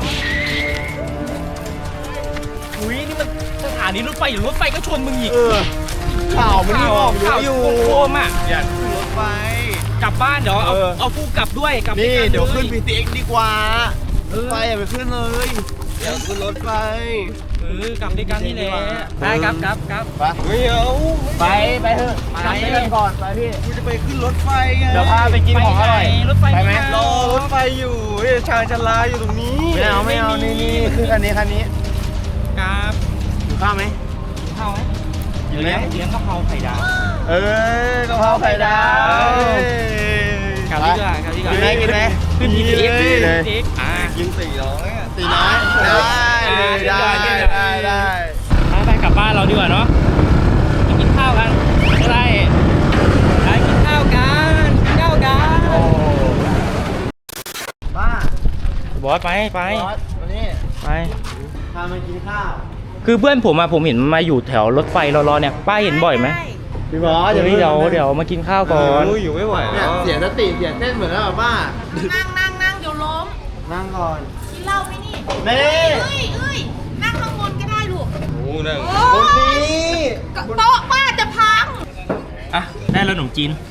[SPEAKER 1] อุ้ยนี่มันสถานีรถไฟหรือรถไฟก็ชนมึงอีก
[SPEAKER 10] เออข่าวมันนี่ออกเย
[SPEAKER 1] ข่า
[SPEAKER 10] อะ
[SPEAKER 1] ว
[SPEAKER 10] อยู่
[SPEAKER 1] โคมอ่ะ
[SPEAKER 10] อยากขึ้นรถไฟ
[SPEAKER 1] กลับบ้านเดี๋ยวเอา
[SPEAKER 10] เออ
[SPEAKER 1] เอาฟูกลับด้วยกลับ
[SPEAKER 10] นี่
[SPEAKER 1] กั
[SPEAKER 10] เดี๋ยวขึ้น
[SPEAKER 1] ล
[SPEAKER 10] พีทีเอ็กดีกว่า ไฟอย่าไปขึ้นเลยอยากขึ้นรถไฟ
[SPEAKER 1] เออกลับด้วยกันนี่แหละได้ครับครับครับ
[SPEAKER 10] ไปไม่เอาไปไปเถอะ
[SPEAKER 1] ไป
[SPEAKER 10] กลับไปกันก่อนไปพี่กูจะไปขึ้นรถไฟไง
[SPEAKER 1] เดี๋ยวพาไปกินของอร่อยรถไฟ
[SPEAKER 10] ไปไหม
[SPEAKER 1] รอ
[SPEAKER 10] รถไฟอยู่ชางชลาอยู่ตรงนี้ไม่เอาไม่เอานี่นี่ขึ้นคันนี้คันนี้
[SPEAKER 1] ครับ
[SPEAKER 10] อยู่ข้าวไหม
[SPEAKER 1] กินข้าวไหม
[SPEAKER 10] อยู่
[SPEAKER 1] เลี้
[SPEAKER 10] ไหม
[SPEAKER 1] ยงเลี้ยงกะเพราไข่ดาว
[SPEAKER 10] เออกะเพราไข่ดาว
[SPEAKER 1] กลับดีกว่ากลับดีกว่า
[SPEAKER 10] กินไหมกินไหม
[SPEAKER 1] ขึ้น
[SPEAKER 10] กิ
[SPEAKER 1] พี
[SPEAKER 10] น
[SPEAKER 1] ทีเอ็ก
[SPEAKER 10] เลย
[SPEAKER 1] ซ์พีทีเอ็กซ์อ่า
[SPEAKER 10] กินสี่ร้อยอ่ะสี่ร้อยได้ได้ได้ได้
[SPEAKER 1] ไปกลับบ้านเราดีกว่าเนาะไปกินข้าวกันอะไรไปกินข้าวกันกินข้าวกัน
[SPEAKER 10] บ้า
[SPEAKER 1] บอสไปไป
[SPEAKER 10] บอสวันนี้
[SPEAKER 1] ไป
[SPEAKER 10] พามากินข้าว
[SPEAKER 1] คือเพื่อนผมอะผมเห็นมันมาอยู่แถวรถไฟรอๆเนี่ยป้าเห็นบ่อยไหม
[SPEAKER 10] พี่บอส
[SPEAKER 1] เดี๋ยวเดี๋ยวเดี๋ยวมากินข้าวก่อน
[SPEAKER 3] อยู่ไม่ไหว
[SPEAKER 10] เนี่ยเสียสติเสียเต้นเหมือนแล้วป้า
[SPEAKER 2] นั่งนั่งนั่งเดี๋ยวล้ม
[SPEAKER 10] นั่งก่อน
[SPEAKER 2] กินเหล้าไหมนี่
[SPEAKER 10] เน่
[SPEAKER 2] เอ้ยเอ้ยนั่งข้างบนก็ได้ลูก
[SPEAKER 3] โอ้นั่ง
[SPEAKER 10] บนนี้
[SPEAKER 2] โต๊ะป้าจะพัง
[SPEAKER 1] อ่ะได้แล้วขนมจีน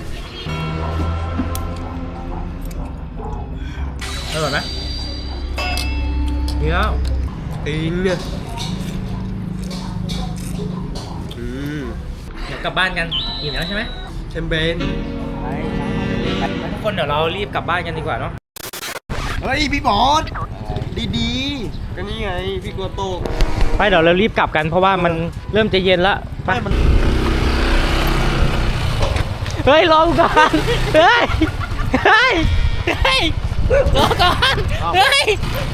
[SPEAKER 1] อร่อยไหมเดี๋ยว
[SPEAKER 3] ตีนเนี่ยอืม
[SPEAKER 1] เดี๋ยวกลับบ้านกันอิ่มแล้วใช่ไหม
[SPEAKER 3] แชมเปญ
[SPEAKER 1] ไปทุกคนเดี๋ยวเรารีบกลับบ้านกันดีกว่าเนาะ
[SPEAKER 10] เฮ้ยพี่บอสดี
[SPEAKER 3] ก็นี่ไงพี่กลัวโตก
[SPEAKER 1] ไปเดี๋ยวเรารีบกลับกันเพราะว่ามันเริ่มจะเย็นละไปเฮ้ยรอก่อนเฮ้ยเฮ้ยเฮ้ยรอก่อนเฮ้ย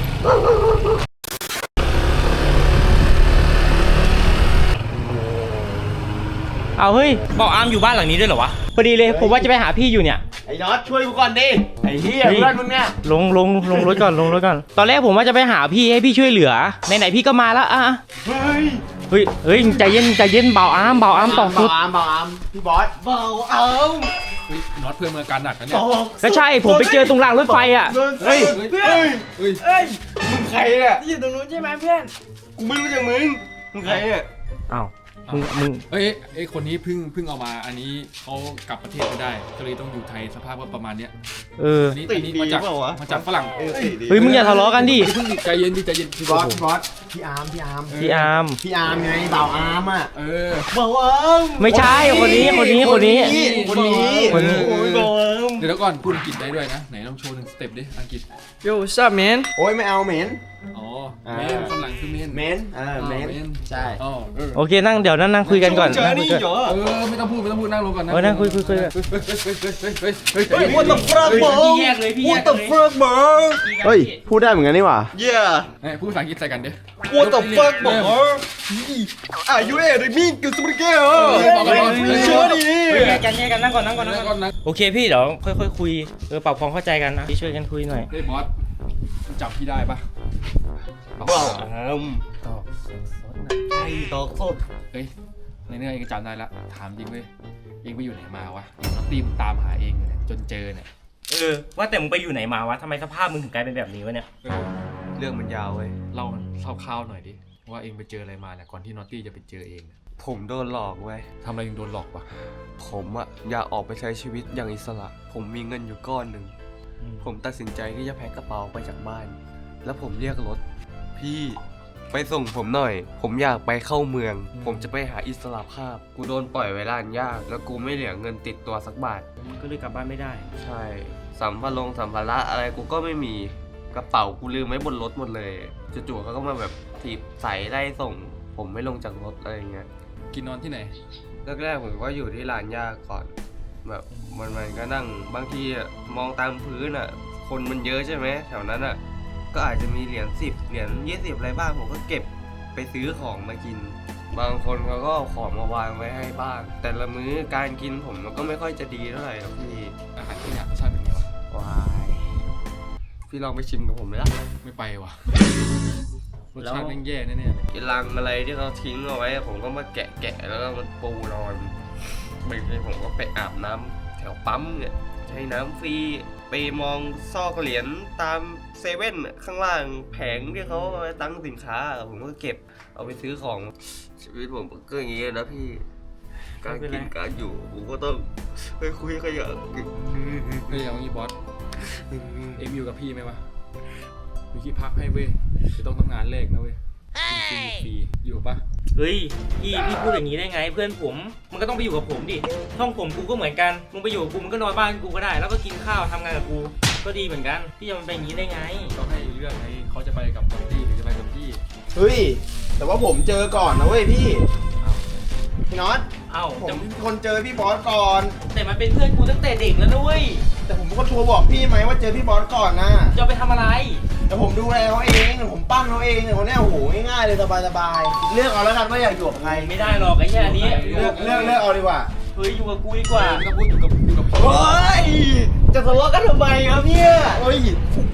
[SPEAKER 1] เอาเฮ้ยบอกอาร์มอยู่บ้านหลังนี้ด้วยเหรอวะพอดีเลยผมว่าจะไปหาพี่อยู่เนี่ย
[SPEAKER 10] ๆไอ้น็อตช่วยกูก่อนดิไอ้เหี้ย
[SPEAKER 1] เฮ้ย
[SPEAKER 10] เพื่อนมึงเนี่ย
[SPEAKER 1] ลงลงลงรถก่อนลงรถก่อนตอนแรกผมว่าจะไปหาพี่ให้พี่ช่วยเหลือไหนๆพี่ก็มาแล้วอ่ะ
[SPEAKER 10] เฮ้ย
[SPEAKER 1] เฮ้ยเฮ้ยใจเย็นใจเย็นเบาอาร์มเบาอาร์มต่อสุด
[SPEAKER 10] เบาอามเบาอามพี่บอสเบาอาม
[SPEAKER 6] เฮ้ยน็อตเพื่อนมืออาการหนักนะเนี่ย
[SPEAKER 1] ก็ใช่ผมไปเจอตรงรางรถไฟอ่ะ
[SPEAKER 10] เฮ้ย
[SPEAKER 6] เฮ้ย
[SPEAKER 10] เฮ้ย
[SPEAKER 6] เฮ้ย
[SPEAKER 10] เฮ้ยมึงใครเนี่ยที่อยู่ตรงนู้นใช่ไหมเพื่อนกูไม่รู้จักมึงมึงใครเนี่ย
[SPEAKER 1] อ้าวมึงมึง
[SPEAKER 6] เอ้ยไอ้คนนี้เพิ่งเพิ่งเอามาอันนี้เขากลับประเทศไม่ได้ก็เลยต้องอยู่ไทยสภาพก็ประมาณเนี้ย
[SPEAKER 1] เออ
[SPEAKER 6] อันนี้อันนี้มาจากมาจากฝรั่ง
[SPEAKER 1] เฮ้ยมึงอย่าทะเลาะกันดิ
[SPEAKER 6] เพิ่งใจเย็นดิใจเย็น
[SPEAKER 10] พี่บอสพี่บอสพี่อาร์มพี่อาร์ม
[SPEAKER 1] พี่อาร์ม
[SPEAKER 10] พี่อาร์มไงเบาอามอ่ะ
[SPEAKER 6] เออ
[SPEAKER 10] เบาอาม
[SPEAKER 1] ไม่ใช่คนนี้คนนี้คนนี้
[SPEAKER 10] คนนี้
[SPEAKER 1] คนนี้
[SPEAKER 10] โอ้ยเบาอาม
[SPEAKER 6] เดี๋ยวก่อนพูดอังกฤษได้ด้วยนะไหนลองโชว์หนึ่งสเต็ปดิอังกฤษ
[SPEAKER 4] Yo what's up man
[SPEAKER 10] โอ้ยไม่เอาเหม็น
[SPEAKER 6] อ๋อ
[SPEAKER 10] อ่า
[SPEAKER 6] เมนฝรั่งคือเมน
[SPEAKER 10] เหม็นเออเหม็นใช่
[SPEAKER 6] อ๋อเออ
[SPEAKER 1] โอเคนั่งเดี๋ยวนั่งนั่งคุยกันก่อนนั่งคุยกัน
[SPEAKER 6] เออไม่ต้องพูดไม่ต้องพูดนั่งลงก่อนนะ
[SPEAKER 1] เออนั่งคุยคุยคุยกัน
[SPEAKER 6] เฮ้ยเฮ้ยเฮ้ยเฮ้ยเฮ้ย
[SPEAKER 10] เฮ้ย what the fuck bro
[SPEAKER 1] พี่แยกเลยพี่แยก
[SPEAKER 10] what the fuck bro เฮ้ยพูดได้เหมือนกันนี่หว่า
[SPEAKER 7] yeah
[SPEAKER 6] เฮ้ยพูดภาษาอังกฤษใส่กันดิ
[SPEAKER 7] what the fuck bro อ่ะยูเอเดมี่กิสมุนเกล
[SPEAKER 6] บอกกันก่อน
[SPEAKER 7] เชื่อดิ
[SPEAKER 1] แยกกันแยกกันนั่งก่อนนั่งก่อนนั่ง
[SPEAKER 6] นั่ง
[SPEAKER 1] ก่
[SPEAKER 6] ก่
[SPEAKER 1] อ
[SPEAKER 6] อน นนะ
[SPEAKER 1] โอเคพี่เดี๋ยวค่อยๆคุยเออปรับความเข้าใจกันนะพี่ช่วยกันคุยหน่อย
[SPEAKER 6] เฮ้ยบอสจับพี่ได้ปะ
[SPEAKER 10] ว้าวอาม
[SPEAKER 6] ต่อ
[SPEAKER 10] ไอ้ตอกสด
[SPEAKER 6] เฮ้ยในเนื้อเองก็จำได้ละถามจริงเว้ยเองไปอยู่ไหนมาวะตีมตามหาเองอยู่เนี่ยจนเจอเนี่ย
[SPEAKER 1] เออว่าแต่มึงไปอยู่ไหนมาวะทำไมสภาพมึงถึงกลายเป็นแบบนี้วะเนี่ย
[SPEAKER 6] เออ
[SPEAKER 3] เรื่องมันยาวเว้ย
[SPEAKER 6] เล่าคร่าวๆหน่อยดิว่าเองไปเจออะไรมาเนี่ยก่อนที่นอตตี้จะไปเจอเองเนี่ย
[SPEAKER 3] ผมโดนหลอกเว้ย
[SPEAKER 6] ทำอะไรยังโดนหลอกปะ
[SPEAKER 3] ผมอะอยากออกไปใช้ชีวิตอย่างอิสระ ผมมีเงินอยู่ก้อนหนึ่ง ผมตัดสินใจที่จะแพ็คกระเป๋าไปจากบ้าน แล้วผมเรียกรถ พี่ไปส่งผมหน่อย ผมอยากไปเข้าเมือง ผมจะไปหาอิสระภาพ กูโดนปล่อยไว้ร้านยาก แล้วกูไม่เหลือเงินติดตัวสักบาท
[SPEAKER 1] ก็เลยกลับบ้านไม่ได้
[SPEAKER 3] ใช่ สัมภาระสัมภาระอะไรกูก็ไม่มี กระเป๋ากูลืมไว้บนรถหมดเลยจู่ๆเขาก็มาแบบถีบใส่ไล่ส่ง ผมไม่ลงจากรถอะไรเงี้ย
[SPEAKER 6] กินนอนที่ไหน
[SPEAKER 3] แรกๆผมก็อยู่ที่ร้านยาก่อน แบบมันมันก็นั่งบางทีอะมองตามพื้นอ่ะ คนมันเยอะใช่ไหมแถวนั้นอ่ะ ก็อาจจะมีเหรียญสิบเหรียญยี่สิบอะไรบ้างผมก็เก็บไปซื้อของมากิน บางคนเขาก็เอาของมาวางไว้ให้บ้าง แต่ละมื้อการกินผมมันก็ไม่ค่อยจะดีเท่าไหร่ครับพี่
[SPEAKER 6] อาหารที่เนี่ยรสชาติเป็นไงวะ
[SPEAKER 3] วายพี่ลองไปชิมกับผมไหมล่ะ
[SPEAKER 6] ไม่ไปวะรสชาติแม่งแย่แน่ๆเลย
[SPEAKER 3] กินลังอะไรที่เขาทิ้งเอาไว้ผมก็มาแกะแกะแล้วก็มันปูนอนบางทีผมก็ไปอาบน้ำแถวปั๊มเนี่ยใช้น้ำฟรีไปมองซอกเหรียญตามเซเว่นข้างล่างแผงที่เขาเอาไว้ตั้งสินค้าผมก็เก็บเอาไปซื้อของชีวิตผมก็อย่างนี้นะพี่การกินการอยู่ผมก็ต้องไปคุยขยะ
[SPEAKER 6] เฮ้ยเอางี้บอสเอ็มอยู่กับพี่ไหมวะมีที่พักให้เว้ยจะต้องทำงานแรกนะเว้ยกินฟรีอยู่ปะ
[SPEAKER 1] เฮ้ยพี่พี่พูดอย่างนี้ได้ไงเพื่อนผมมันก็ต้องไปอยู่กับผมดิห้องผมกูก็เหมือนกันมึงไปอยู่กับกูมึงก็นอนบ้านกูก็ได้ แล้วก็กินข้าวทำงานกับกูก็ดีเหมือนกันพี่จะมันเป็นอย่างนี้ได้ไง
[SPEAKER 6] ต้องให้เลือกไงเขาจะไปกับนอตตี้หรือจะไปกับพี่
[SPEAKER 10] เฮ้ยแต่ว่าผมเจอก่อนนะเว้ยพี่พี่น็อต
[SPEAKER 1] เอ้า
[SPEAKER 10] ผม
[SPEAKER 1] แต่
[SPEAKER 10] เป็นคนเจอพี่บอสก่อน
[SPEAKER 1] แต่มันเป็นเพื่อนกูตั้งแต่เด็กแล้วด้วย
[SPEAKER 10] แต่ผมก็โทรบอกพี่ไหมว่าเจอพี่บอสก่อนนะ
[SPEAKER 1] จะเอาไปทำอะไร
[SPEAKER 10] แต่ผมดูแลเขาเองผมปั้นเขาเองเนี่ยคนเนี้ยโอ้โหง่ายๆเลยสบายๆเลือกเอาแล้วกันว่าอยากอยู่กับใคร
[SPEAKER 1] ไม่ได้หรอกไอ้แค่นี้
[SPEAKER 10] เลือกเลือกเลือกเอาดีกว่า
[SPEAKER 1] เฮ้ยอยู่กับกูดีกว่า
[SPEAKER 6] ไม่ต้องพูดอยู่กับอยู่กับพี่
[SPEAKER 10] เฮ้ยจะทะเลาะกันทำไมครับเนี่ยเฮ้ย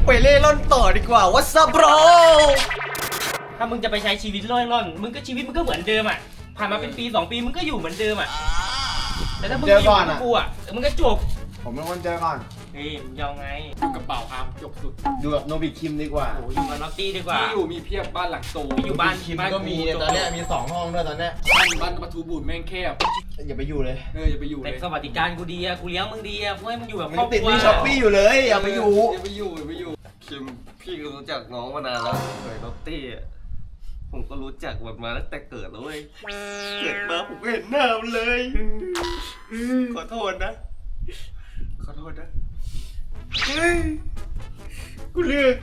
[SPEAKER 7] ไปเล่ร่อนต่อดีกว่า What's up bro
[SPEAKER 1] ถ้ามึงจะไปใช้ชีวิตร่อยร่อนมึงก็ชีวิตมึงก็เหมือนเดิมอ่ะผ่านมาเป็นปีสองปีมึงก็อยู่เหมือนเดิมอ่ะแต่ถ้ามึงไปอยู่กับกูอ่ะมึงก็จบ
[SPEAKER 10] ผมเป็นคนเจอก่อน
[SPEAKER 1] เฮ้ยมึงยองไง
[SPEAKER 6] อยู่กับเป่าอาร์มจบสุด
[SPEAKER 10] อยู่กับโนบิคิมดีกว่า
[SPEAKER 1] โอ้อยู่กับน็อตตี้ดีกว่า
[SPEAKER 6] ที่อยู่มีเพียบบ้านหลังโต
[SPEAKER 1] อยู่บ้าน
[SPEAKER 10] คิมก็มีเนี่ยตอนเนี้ยมีสองห้องด้วยตอนเนี้ย
[SPEAKER 6] บ้านบ้านประตูบูดแม่งแคบ
[SPEAKER 10] อย่าไปอยู่เลย
[SPEAKER 6] เอออย่าไปอยู่เล
[SPEAKER 1] แต่
[SPEAKER 6] ย
[SPEAKER 1] สวัสดิการกูดีอ่ะกูเลี้ยงมึงดีอ่ะกูให้มึงอยู่แบบ
[SPEAKER 10] มึ
[SPEAKER 1] ครอง บ
[SPEAKER 10] ติด
[SPEAKER 1] ครัว
[SPEAKER 10] มีช้อปปี้อยู่เลยอย่าไปอยู่
[SPEAKER 6] อย่าไปอยู่อย่าไปอยู่
[SPEAKER 3] คิมพี่ก็รู้จักน้องมานานแล้วเคยน็อตตี้อะผมก็รู้จักมันมาตั้งแต่เกิดแล้วเว้ยเกิดมาผมก็เห็นหน้ามันเลย ขอโทษนะ ขอโทษนะเฮ้ยกูเลือก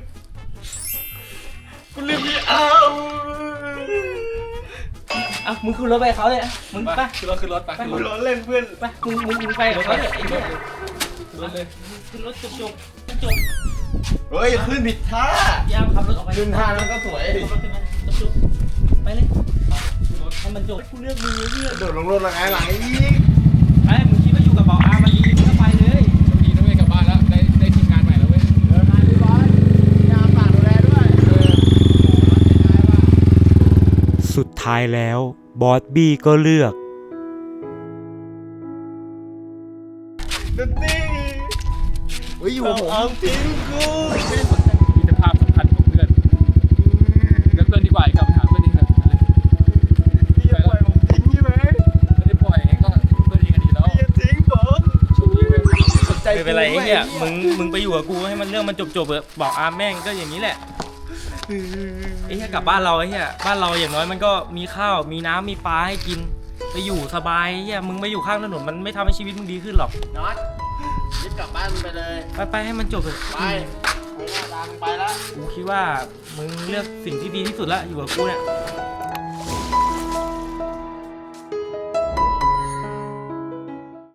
[SPEAKER 3] กูเลือกไม่เอา
[SPEAKER 1] อ่ะมึงขึ้นรถไปเขาเลยอ่ะมึง
[SPEAKER 6] ไป
[SPEAKER 1] ไป
[SPEAKER 6] ขึ้นรถขึ้นรถไปขึ้นร
[SPEAKER 3] กู
[SPEAKER 6] ถ
[SPEAKER 3] ล้อเล่นเพื่อน
[SPEAKER 1] ไปมึงมึงมึงไปกับเขาเลยไอ้เหี้ย
[SPEAKER 6] ขึ้นรถเลย
[SPEAKER 1] ขึ้นรถจบจบจบ
[SPEAKER 10] เฮ้ยขึ้นผิดท่าย
[SPEAKER 1] ามขับรถออกไป
[SPEAKER 10] ขึ้นท่าแล้วก็สวยดิ
[SPEAKER 1] ขับรถขึ้นมาจบจบไปเลยให้มันจบกูเลือกมึงเลือก
[SPEAKER 10] โดดลงรถละไงหลังอีก
[SPEAKER 1] ไอ้มึงคิดว่าอยู่กับเบาอามันดีมึงก็ไปเลย
[SPEAKER 6] ดีนะเว้ยกลับบ้านแล้วได้ได้ทีมงานใหม่แล้วเว้ย
[SPEAKER 10] เดินทางเรียบร้อยยามฝากดูแลด้วย
[SPEAKER 8] สุดท้ายแล้วบอสบี้ก็เลือก
[SPEAKER 3] น็อตตี้
[SPEAKER 10] เฮ้ยอยู่กับผม
[SPEAKER 3] เอาทิ้งกู
[SPEAKER 6] มีแต่ภาพสำคัญของเพื่อนเลือกเพื่อนดีกว่าอีกกลับไปหาเพื่อนดีกว่า
[SPEAKER 3] พี่จะปล่อยผมทิ้งใช่ไหม
[SPEAKER 6] ไม่ได้ปล่อยไงก็เพื่อนเองกันดีแล้ว
[SPEAKER 3] พี่จะทิ้งผม
[SPEAKER 6] ช่วงนี้เว้ย
[SPEAKER 10] สนใจ
[SPEAKER 1] ไม่เป็นไรไอ้เนี่ยมึงมึงไปอยู่กับกูให้มันเรื่องมันจบจบๆเถอะบอกอาแม่งก็อย่างนี้แหละไอ้เหี้ยกลับบ้านเราไอ้เหี้ยบ้านเราอย่างน้อยมันก็มีข้าวมีน้ำมีปลาให้กินไปอยู่สบายไอ้เหี้ยมึงไปอยู่ข้างถนนมันไม่ทำให้ชีวิตมึงดีขึ้นหรอก
[SPEAKER 10] น็อตรีบกลับบ้านไปเลย
[SPEAKER 1] ไปไปให้มันจบเถอะ
[SPEAKER 10] ไปไปหน้าตามไปแล้ว
[SPEAKER 1] กูคิดว่ามึงเลือกสิ่งที่ดีที่สุดแล้วอยู่กับกูเนี่ย